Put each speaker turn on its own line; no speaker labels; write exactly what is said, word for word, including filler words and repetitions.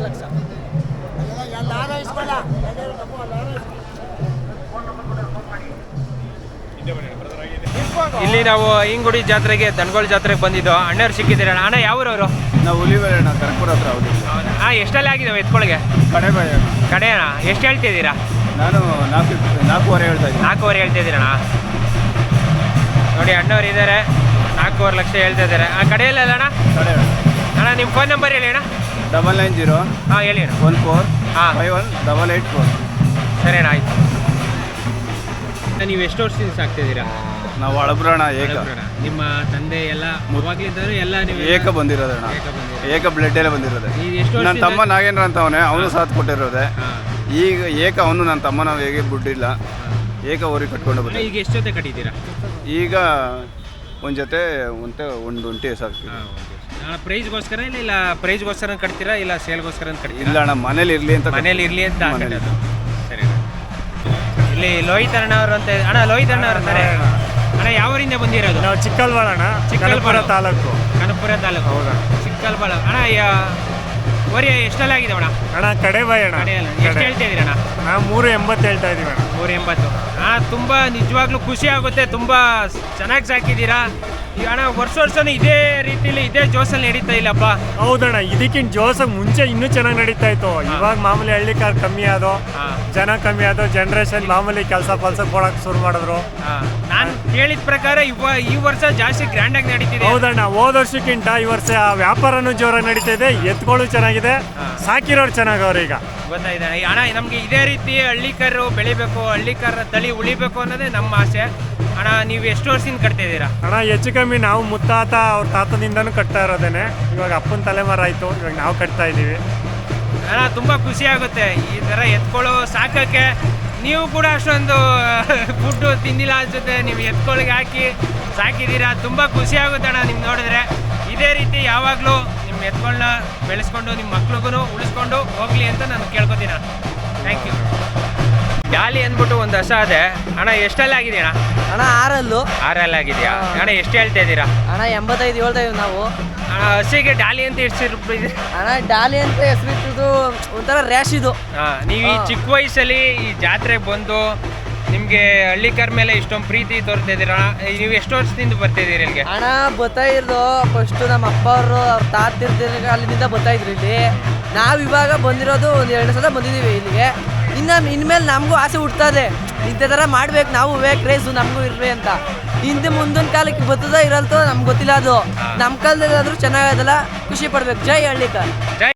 ಲಕ್ಷ.
ಇಲ್ಲಿ ನಾವು ಇಂಗುಡಿ ಜಾತ್ರೆಗೆ ದನಗೋಳ ಜಾತ್ರೆಗೆ ಬಂದಿದ್ದು. ಅಣ್ಣವ್ರು ಸಿಕ್ಕಿದ್ದೀರಣ್ಣ. ಅಣ್ಣ ಯಾವೂರವರು?
ನಾವು ಹುಲಿಬೇರಣ್ಣ ಕನಕಪುರ ಹತ್ರ. ಹೌದು.
ಹಾಂ, ಎಷ್ಟೆಲ್ಲ ಆಗಿದ್ದಾವೆ ಎತ್ಕೊಳಗೆ?
ಕಡೆ ಬಾಯ
ಕಡೆ ಅಣ್ಣ. ಎಷ್ಟು ಹೇಳ್ತಿದ್ದೀರಾ?
ನಾನು ನಾಲ್ಕು ನಾಲ್ಕೂವರೆ ಹೇಳ್ತಾ ಇದ್ದೀನಿ.
ನಾಲ್ಕೂವರೆ ಹೇಳ್ತಿದ್ದೀರಣ್ಣ. ನೋಡಿ ಅಣ್ಣವ್ರು ಇದ್ದಾರೆ, ನಾಲ್ಕೂವರೆ ಲಕ್ಷ ಹೇಳ್ತಾ ಇದ್ದಾರೆ. ಆ ಕಡೆಯಲ್ಲ ಅಣ್ಣ?
ಕಡೆ
ಅಣ್ಣ ನಿಮ್ಮ ಫೋನ್ ನಂಬರ್ ಹೇಳಿ ಅಣ್ಣ.
ಡಬಲ್ ನೈನ್ ಜೀರೋ
ಹಾಂ ಹೇಳಿ ಅಣ್ಣ.
ಒನ್ ಫೋರ್
ಹಾಂ
five one double eight four.
ಸರಿ ಅಣ್ಣ, ಆಯ್ತು. ನೀವು ಎಷ್ಟು ವರ್ಷದಿಂದ ಸಾಕ್ತಿದ್ದೀರಾ?
ನಾವು ಹಳಬ್ರಣ ಏಕ.
ನಿಮ್ಮ ತಂದೆ ಎಲ್ಲ ಮೊದಲಿದ್ದರು ಎಲ್ಲ ನೀವು
ಏಕ ಬಂದಿರೋದಣ್ಣ. ಏಕ ಬ್ಲಡ್ ಎಲ್ಲ ಬಂದಿರೋದೆ.
ಎಷ್ಟು
ನನ್ನ ತಮ್ಮ ನಾಗೇಂದ್ರ ಅಂತ ಅವನೇ, ಅವನು ಸಾಥ್ ಕೊಟ್ಟಿರೋದೆ. ಈಗ ಏಕ ಅವನು ನನ್ನ ತಮ್ಮ, ನಾವು ಹೇಗೆ ಬಿಟ್ಟಿಲ್ಲ, ಏಕ ಊರಿಗೆ ಕಟ್ಕೊಂಡು ಬಂದ.
ಈಗ ಎಷ್ಟು ಜೊತೆ ಕಟ್ಟಿದ್ದೀರಾ?
ಈಗ ಒಂದು ಜೊತೆ ಒಂತೆ ಒಂದು ಒಂಟಿ ಸಾಕು.
ಪ್ರೈಸ್ಗೋಸ್ಕರ ಇಲ್ಲ ಇಲ್ಲ ಪ್ರೈಸ್ಗೋಸ್ಕರ ಕಟ್ತೀರಾ ಇಲ್ಲ ಸೇಲ್ಗೋಸ್ಕರ ಕಟ್ತೀರಾ?
ಇಲ್ಲ ಅಣ್ಣ, ಮನೇಲಿ ಇರಲಿ ಅಂತ.
ಮನೇಲಿ ಇರಲಿ ಅಂತ ಹಾಕಿರೋದು. ಸರಿ. ಇಲ್ಲಿ ಲೋಹಿತ್ ಅಣ್ಣ ಅವರು ಅಂತ. ಅಣ್ಣ ಲೋಹಿತ್ ಅಣ್ಣ ಅವ್ರು ಅಂತಾರೆ. ಅಣ್ಣ ಯಾವೂರಿಂದ ಬಂದಿರೋದು?
ನಾವು ಚಿಕ್ಕಲ್ವಾಳ ಅಣ್ಣ, ಚಿಕ್ಕಲ್ಪುರ ತಾಲೂಕು.
ಕನಕಪುರ ತಾಲೂಕು. ಹೌದಾ? ಚಿಕ್ಕಲ್ಬಾಳ. ಅಣ್ಣ ವರಿ ಎಷ್ಟೆಲ್ಲ ಆಗಿದೆ ಅಣ್ಣ?
ಅಣ್ಣ ಕಡೆ ಬಾಯ್ ಅಣ್ಣ.
ಕಡೆ ಅಲ್ಲ. ಎಷ್ಟು ಹೇಳ್ತಾ ಇದ್ದೀರಿ ಅಣ್ಣ?
ನಾವು ಮೂರು ಎಂಬತ್ತು ಹೇಳ್ತಾ ಇದೀವಿ ಅಣ್ಣ.
ಮೂರು ಎಂಬತ್ತು. ಹಾಂ, ತುಂಬ ನಿಜವಾಗ್ಲೂ ಖುಷಿ ಆಗುತ್ತೆ. ತುಂಬ ಚೆನ್ನಾಗಿ ಸಾಕಿದ್ದೀರಾ. ಈಗ ಅಣ್ಣ ವರ್ಷ ವರ್ಷನೂ ಇದೇ ರೀತಿಲಿ ಇದೇ ಜೋಸಲ್ಲಿ ನಡೀತಾ ಇಲ್ಲಪ್ಪ.
ಹೌದಣ್ಣ, ಇದಕ್ಕಿಂತ ಜೋಸ ಮುಂಚೆ ಇನ್ನೂ ಚೆನ್ನಾಗಿ ನಡೀತಾ ಇತ್ತು. ಇವಾಗ ಮಾಮೂಲಿ ಹಳ್ಳಿ ಕಾರ್ ಕಮ್ಮಿ ಆದೋ, ಜನ ಕಮ್ಮಿ ಆದೋ, ಜನರೇಷನ್ ಮಾಮೂಲಿ ಕೆಲಸ ಪಲ್ಸ ಕೊಡಕ್ ಶುರು ಮಾಡಿದ್ರು.
ನಾನು ಕೇಳಿದ ಪ್ರಕಾರ ಇವ ಈ ವರ್ಷ ಜಾಸ್ತಿ ಗ್ರ್ಯಾಂಡ್ ಆಗಿ ನಡೀತಿದೆ.
ಹೌದಣ್ಣ, ಹೋದ ವರ್ಷಕ್ಕಿಂತ ಈ ವರ್ಷ ವ್ಯಾಪಾರನೂ ಜೋರಾಗಿ ನಡೀತಾ ಇದೆ, ಎತ್ಕೊಳ್ಳು ಚೆನ್ನಾಗಿದೆ, ಸಾಕಿರೋರು ಚೆನ್ನಾಗವ್ರೆ. ಈಗ
ಗೊತ್ತಾಯ್ತು ಅಣ್ಣ, ನಮಗೆ ಇದೇ ರೀತಿ ಹಳ್ಳಿಕರು ಬೆಳಿಬೇಕು, ಹಳ್ಳಿಕರ ತಳಿ ಉಳಿಬೇಕು ಅನ್ನೋದೇ ನಮ್ಮ ಆಸೆ. ಅಣ್ಣ ನೀವು ಎಷ್ಟು ವರ್ಷದಿಂದ ಕಟ್ತಿದ್ದೀರಾ?
ಅಣ್ಣ ಹೆಚ್ಚು ಕಮ್ಮಿ ನಾವು ಮುತ್ತಾತ ಅವ್ರ ತಾತದಿಂದನೂ ಕಟ್ತಾ ಇರೋದೇನೆ. ಇವಾಗ ಅಪ್ಪನ ತಲೆಮಾರು ಆಯಿತು, ಇವಾಗ ನಾವು ಕಟ್ತಾ ಇದ್ದೀವಿ.
ಅಣ್ಣ ತುಂಬ ಖುಷಿ ಆಗುತ್ತೆ ಈ ಥರ ಎತ್ಕೊಳ್ಳೋ ಸಾಕೋಕ್ಕೆ. ನೀವು ಕೂಡ ಅಷ್ಟೊಂದು ಫುಡ್ಡು ತಿಂದಿಲ್ಲ ಅನ್ಸುತ್ತೆ, ನೀವು ಎತ್ಕೊಳ್ಳಿಗೆ ಹಾಕಿ ಸಾಕಿದ್ದೀರಾ. ತುಂಬ ಖುಷಿ ಆಗುತ್ತೆ ಅಣ್ಣ ನಿಮ್ಗೆ ನೋಡಿದ್ರೆ. ಇದೇ ರೀತಿ ಯಾವಾಗಲೂ ನಿಮ್ಮ ಎತ್ಕೊಳ್ಳನ್ನ ಬೆಳೆಸ್ಕೊಂಡು ನಿಮ್ಮ ಮಕ್ಳಿಗೂ ಉಳಿಸ್ಕೊಂಡು ಹೋಗಲಿ ಅಂತ ನಾನು ಕೇಳ್ಕೊತೀನಿ. Thank you. ಡಾಲಿ ಅಂದ್ಬಿಟ್ಟು ಒಂದು ಹಸ ಅದೇ ಅಣ್ಣ. ಎಷ್ಟೆಲ್ಲ ಆಗಿದೆಯಾ ಅಣ್ಣ?
ಅಣ್ಣ ಆರಲ್ಲು.
ಆರಲ್ಲ ಆಗಿದೆಯಾ ಅಣ್ಣ? ಎಷ್ಟು ಹೇಳ್ತಾ ಇದ್ದೀರಾ?
ಅಣ್ಣ ಎಂಬತ್ತೈದು ಹೇಳ್ತಾ ಇದೀವಿ ನಾವು.
ಅಣ್ಣ ಹಸಿಗೆ ಡಾಲಿ ಅಂತ ಎಷ್ಟು ರೂಪಾಯಿ?
ಅಣ್ಣ ಡಾಲಿ ಅಂತ ಹೆಸರಿಟ್ಟಿದ್ದು ಒಂಥರ ರ್ಯಾಶ್ ಇದು.
ಹಾಂ, ನೀವು ಈ ಚಿಕ್ಕ ವಯಸ್ಸಲ್ಲಿ ಈ ಜಾತ್ರೆಗೆ ಬಂದು ನಿಮಗೆ ಹಳ್ಳಿಕರ್ ಮೇಲೆ ಇಷ್ಟೊಂದು ಪ್ರೀತಿ ತೋರ್ತಾ ಇದ್ದೀರಾ. ನೀವು ಎಷ್ಟು ವರ್ಷದಿಂದ ಬರ್ತಿದ್ದೀರಿ ಇಲ್ಲಿಗೆ?
ಅಣ್ಣ ಬರ್ತಾ ಇರೋದು ಫಸ್ಟು ನಮ್ಮ ಅಪ್ಪ ಅವರು ಅವ್ರ ತಾತಿರ್ತಿರ್ಗ ಅಲ್ಲಿಂದ ಬರ್ತಾ ಇದ್ರು ಇಲ್ಲಿ. ನಾವು ಇವಾಗ ಬಂದಿರೋದು ಒಂದು ಎರಡು ಸಲ ಬಂದಿದ್ದೀವಿ ಇಲ್ಲಿಗೆ. ಇನ್ನು ಇನ್ಮೇಲೆ ನಮಗೂ ಆಸೆ ಹುಡ್ತದೆ, ಇಂಥ ಥರ ಮಾಡ್ಬೇಕು ನಾವು, ಕ್ರೇಜು ನಮಗೂ ಇರ್ರಿ ಅಂತ. ಹಿಂದೆ ಮುಂದಿನ ಕಾಲಕ್ಕೆ ಬರ್ತದ ಇರಲ್ತೋ ನಮ್ಗೆ ಗೊತ್ತಿಲ್ಲ. ಅದು ನಮ್ಮ ಕಾಲದಲ್ಲಿ ಆದರೂ ಚೆನ್ನಾಗದಲ್ಲ, ಖುಷಿ ಪಡ್ಬೇಕು. ಜೈ ಹಳ್ಳಿಕರ್.
ಜೈ.